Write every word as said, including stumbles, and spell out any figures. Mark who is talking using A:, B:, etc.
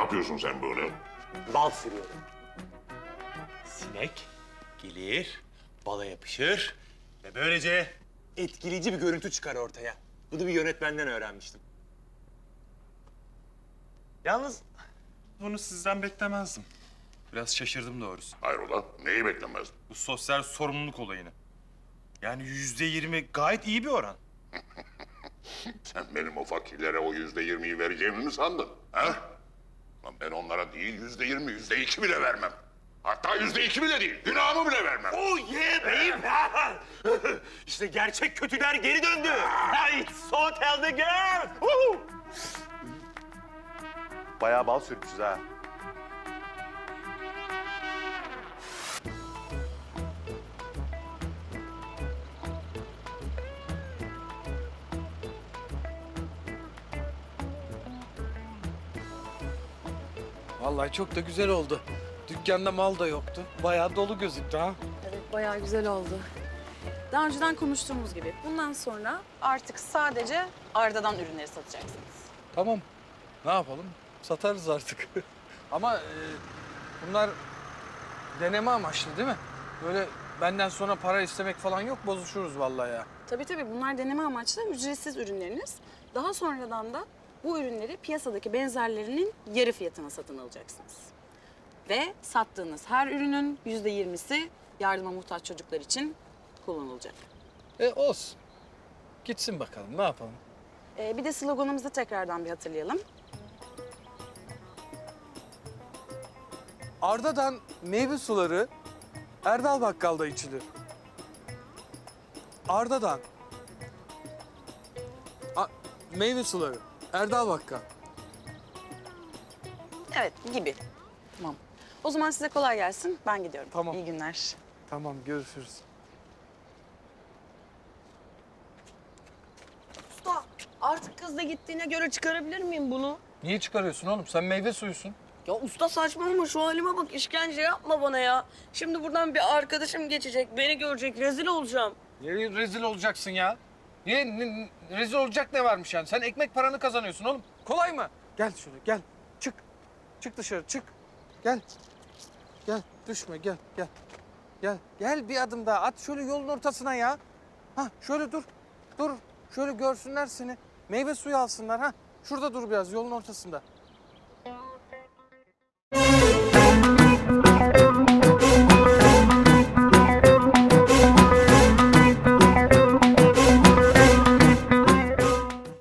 A: yapıyorsun sen böyle?
B: Bal sürüyorum. Sinek gelir, bala yapışır ve böylece etkileyici bir görüntü çıkar ortaya. Bunu bir yönetmenden öğrenmiştim. Yalnız
C: Bunu sizden beklemezdim. Biraz şaşırdım doğrusu.
A: Hayrola? Neyi beklemezdin?
C: Bu sosyal sorumluluk olayını. Yani yüzde yirmi gayet iyi bir oran.
A: Sen benim o fakirlere o yüzde yirmiyi vereceğimi mi sandın? Ha? Lan ben onlara değil yüzde yirmi, yüzde iki bile vermem. Hatta yüzde iki bile değil, günahımı bile vermem.
B: oh yeah beyim. İşte gerçek kötüler geri döndü. It's so tell the girl. Woo!
D: Bayağı bal sürmüşüz ha.
E: Vallahi çok da güzel oldu. Dükkanda mal da yoktu. Bayağı dolu gözüktü ha.
F: Evet, bayağı güzel oldu. Daha önceden konuştuğumuz gibi bundan sonra artık sadece Arda'dan ürünleri satacaksınız.
E: Tamam. Ne yapalım? Satarız artık. Ama e, bunlar deneme amaçlı değil mi? Böyle benden sonra para istemek falan yok. Bozuşuruz vallahi ya.
F: Tabii tabii bunlar deneme amaçlı ücretsiz ürünleriniz. Daha sonradan da bu ürünleri piyasadaki benzerlerinin yarı fiyatına satın alacaksınız. Ve sattığınız her ürünün yüzde yirmisi yardıma muhtaç çocuklar için kullanılacak.
E: E olsun. Gitsin bakalım. Ne yapalım?
F: Ee, bir de sloganımızı tekrardan bir hatırlayalım.
E: Arda'dan meyve suları Erdal Bakkal'da içilir. Arda'dan A- meyve suları Erdal Bakkal.
F: Evet, gibi. Tamam. O zaman size kolay gelsin. Ben gidiyorum.
E: Tamam.
F: İyi günler.
E: Tamam, görüşürüz.
G: Usta, artık kız da gittiğine göre çıkarabilir miyim bunu?
E: Niye çıkarıyorsun oğlum? Sen meyve suyusun.
G: Ya usta saçmalama, şu halime bak, işkence yapma bana ya. Şimdi buradan bir arkadaşım geçecek, beni görecek, rezil olacağım.
E: Niye rezil olacaksın ya? Niye ne- ne- rezil olacak ne varmış yani? Sen ekmek paranı kazanıyorsun oğlum. Kolay mı? Gel şöyle gel. Çık. Çık dışarı çık. Gel. Gel düşme gel gel. Gel. Gel bir adım daha at şöyle yolun ortasına ya. Ha şöyle dur. Dur. Şöyle görsünler seni. Meyve suyu alsınlar ha. Şurada dur biraz yolun ortasında.